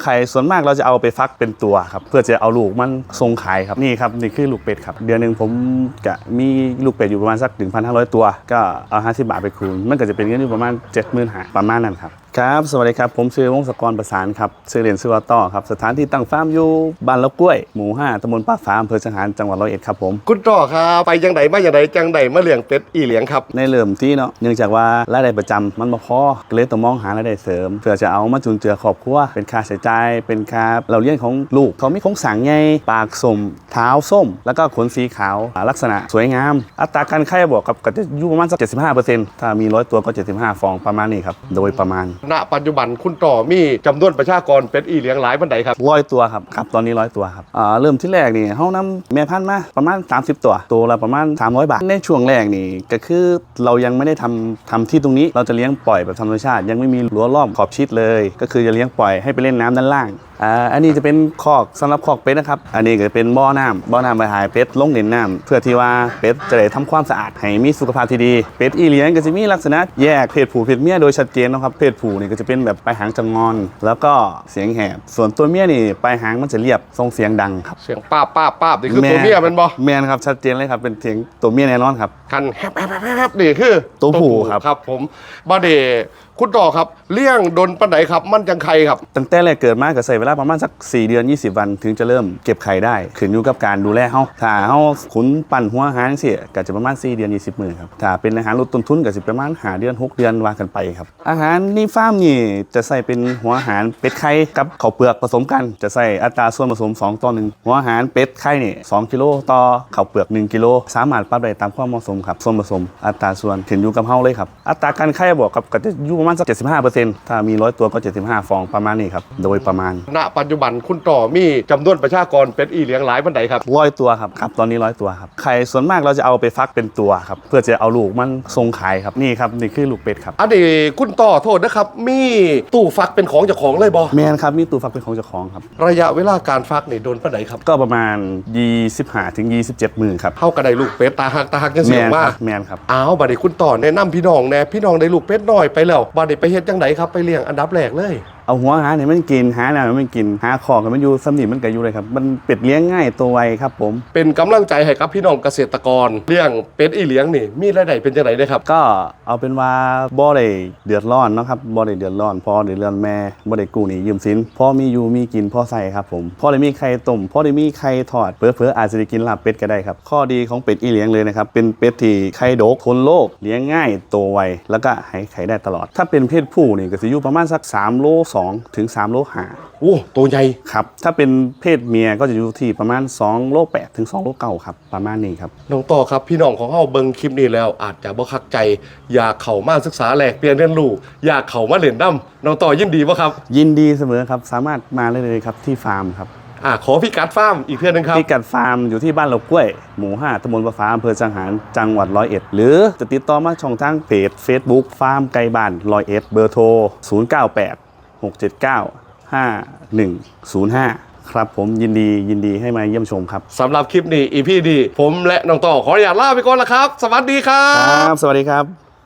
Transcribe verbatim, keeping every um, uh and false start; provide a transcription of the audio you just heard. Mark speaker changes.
Speaker 1: ข่ส่วนมากเราจะเอาไปฟักเป็นตัวครับเพื่อจะเอาลูกมันทรงขายครับนี่ครับนี่คือลูกเป็ดครับเดือนหนึ่งผมจะมีลูกเป็ดอยู่ประมาณสัก หนึ่งพันห้าร้อย ตัวก็เอาห้าสิบบาทไปคูณมันก็จะเป็นเงินอยู่ประมาณ เจ็ดหมื่นห้าพัน ประมาณนั้นครับครับสวัสดีครับผมชื่อวงศกรประสานครับชื่อเรียนชื่อว่าต้อครับสถานที่ตั้งฟาร์มอยู่บ้านละกล้วยหมู่ห้าตำบลป้าฝาอำเภอจังหารจังหวัดร้อยเอ็ดครับผม
Speaker 2: คุณต้อครับไปยังไดมาอย่างไดจังไดมาเลี้ยงเป็ดอีเลี้ยงครับ
Speaker 1: ในเริ่มที่เนาะเนื่องจากว่ารายได้ประจำมันบ่พอเลยต้องมองหารายได้เสริมเพื่อจะเอามาจุนเจือครอบครัวเป็นค่าใช้จ่ายเป็นค่าเราเลี้ยงของลูกเขามีโครงสร้างใหญ่ปากส้มเท้าส้มแล้วก็ขนสีขาวลักษณะสวยงามอัตราการไข่บวกกับก็จะอยู่ประมาณสัก เจ็ดสิบห้าเปอร์เซ็นต์ ถ้ามีร้อยตัวก็เจ็ดสิบห้าฟองประมาณนี้ครับโดยประมาณ
Speaker 2: ณปัจจุบันคุณต้อมีจำนวนประชากรเป็ดอีเลี้ยงหลายปานใดครับ
Speaker 1: ร้อยตัวครับครับตอนนี้ร้อยตัวครับอ่าเริ่มที่แรกนี่เฮานำแม่พันธุ์มาประมาณสามสิบตัวตัวละประมาณสามร้อยบาทในช่วงแรกนี่ก็คือเรายังไม่ได้ทำทำที่ตรงนี้เราจะเลี้ยงปล่อยแบบธรรมชาติยังไม่มีรั้วรอบขอบชิดเลยก็คือจะเลี้ยงปล่อยให้ไปเล่นน้ำด้านล่างอ่าอันนี้จะเป็นคอกสำหรับคอกเป็ดนะครับอันนี้ก็เป็นบ่อน้ำบ่อน้ำไปหายเป็ดลงเล่นน้ำเพื่อที่ว่าเป็ดจะได้ทำความสะอาดให้มีสุขภาพที่ดีเป็ดอีเลี้ยงก็จะมีลักษณะแยกเพศผู้เพศเมียโดยชัดเจนนะครับเพศผู้นี่ก็จะเป็นแบบปลายหางจะงอนแล้วก็เสียงแหบส่วนตัวเมียนี่ปลายหางมันจะเรียบส่งเสียงดังครับ
Speaker 2: เสียงป้าป้าป้านี่คือตัวเมียมันบ่
Speaker 1: แมนครับชัดเจนเลยครับเป็นเสียงตัวเมียแน่นอนครับ
Speaker 2: คันแฮบแฮบแฮบนี่คือ
Speaker 1: ตัวผู้ครับ
Speaker 2: ครับผมบาเดคุณต่อครับเลี้ยงดนปันไหนครับมันจังไข่ครับ
Speaker 1: ตั้งแต่แรกเกิดมาก็ใส่เวลาประมาณสักสี่เดือนยี่สิบวันถึงจะเริ่มเก็บไข่ได้ขึ้นอยู่กับการดูแลเฮาถ้าเฮาขุนปั่นหัวอาหารเสียก็จะประมาณสี่เดือนยี่สิบมื้อครับถ้าเป็นอาหารลดต้นทุนก็สิประมาณห้าเดือนหกเดือนว่ากันไปครับอาหารในฟาร์มนี่จะใส่เป็นหัวอาหารเป็ดไข่กับข้าวเปลือกผสมกันจะใส่อัตราส่วนผสมสองต่อหนึ่งหัวอาหารเป็ดไข่นี่สองกิโลต่อข้าวเปลือกหนึ่งกิโลสามารถปรับได้ตามความเหมาะสมครับส่วนผสมอัตราส่วนขึ้นอยู่กับเฮาเลยครับอัตราการไข่บวกกับก็จะอยู่ประมาณสัก เจ็ดสิบห้าเปอร์เซ็นต์ ถ้ามีร้อยตัวก็เจ็ดสิบห้าฟองประมาณนี้ครับโดยประมาณ
Speaker 2: ณปัจจุบันคุณต่อมีจำนวนประชากรเป็ดอีเลี้ยงหลายปานใดครับ
Speaker 1: ร้อยตัวครับครับตอนนี้ร้อยตัวครับไข่ส่วนมากเราจะเอาไปฟักเป็นตัวครับเพื่อจะเอาลูกมันทรงขายครับนี่ครับนี่คือลูกเป็ดครับ
Speaker 2: อันนี้คุณต่อโทษนะครับมีตู้ฟักเป็นของเจ้าของเลยบ่
Speaker 1: แมนครับมีตู้ฟักเป็นของเจ้าของครับ
Speaker 2: ระยะเวลาการฟักนี่โดนปานใดครับ
Speaker 1: ก็ประมาณยี่สิบห้าถึงยี่สิบเจ็ดมื้อครับ
Speaker 2: เฮาก็ได้ลูกเป็ดตาหักตาหักจังซี่ว่า
Speaker 1: แมนครับ
Speaker 2: อ้าวบัดนี้คุณต่อแนะนำพี่น้องแน่พี่น้องได้ลูกเป็ดน้อยไปแล้วบัดนี้ไปเฮ็ดจังไดครับไปเลี้ยงอันดับแรกเลย
Speaker 1: เอาหัวหาเนี่ยมันกินหาน้ำมันกินหาของมันอยู่สำนีมันก็อยู่เลยครับมันเป็ดเลี้ยงง่ายตัวไวครับผม
Speaker 2: เป็นกำลังใจให้กับพี่น้องเกษตรกรเลี้ยงเป็ดอีเลี้ยงนี่มีรายได้เป็นจังไดได้ครับ
Speaker 1: ก็เอาเป็นว่าบ่ได้เดือดร้อนเนาะครับบ่ได้เดือดร้อนพอได้เรือนแม่บ่ได้กู้หนี้ยืมสินพอมีอยู่มีกินพอใส่ครับผมพอได้มีไข่ต้มพอได้มีไข่ทอดเผลอๆอาจจะได้กินลาบเป็ดก็ได้ครับข้อดีของเป็ดอีเลี้ยงเลยนะครับเป็นเป็ดที่ไข่ดกทนโรคเลี้ยงง่ายโตไวแล้วก็ให้ไข่ได้ตลอดถ้าเป็นเพศผู้นี่ก็สิอยู่ประมาณสักสามโลสองถึงสามโลห้า
Speaker 2: โอ้ตัวใหญ่
Speaker 1: ครับถ้าเป็นเพศเมียก็จะอยู่ที่ประมาณสองโลแปดถึงสองโลเก้าครับประมาณนี้ครับ
Speaker 2: น้องต่อครับพี่น้องของเฮาเบิ่งคลิปนี้แล้วอาจจะบ่คักใจอยากเข้ามาศึกษาแลกเปลี่ยนเรียนรู้อยากเข้ามาเล่นน้ำน้องต่อยินดีบ่ครับ
Speaker 1: ยินดีเสมอครับสามารถมาได้เลยครับที่ฟาร์มครับ
Speaker 2: อ่าขอพิกัดฟาร์มอีกเพื่อนนึงครับ
Speaker 1: พิกัดฟาร์มอยู่ที่บ้านเหล่ากล้วยหมู่ห้าตำบลประฟ้าอำเภอจังหารจังหวัดร้อยเอ็ดหรือจะติดต่อมาช่องทางเพจ Facebook ฟาร์มไก่บ้านร้อยเอ็ดเบอร์โทรศูนย์ เก้า แปด หก เจ็ด เก้า ห้า หนึ่ง ศูนย์ ห้าครับผมยินดียินดีให้มาเยี่ยมชมครับ
Speaker 2: สำหรับคลิปนี้ อี พี นี้ผมและน้องต่อขออนุญาตลาไปก่อนละครับสวัสดีครับ
Speaker 1: ครับสวัสดีครับ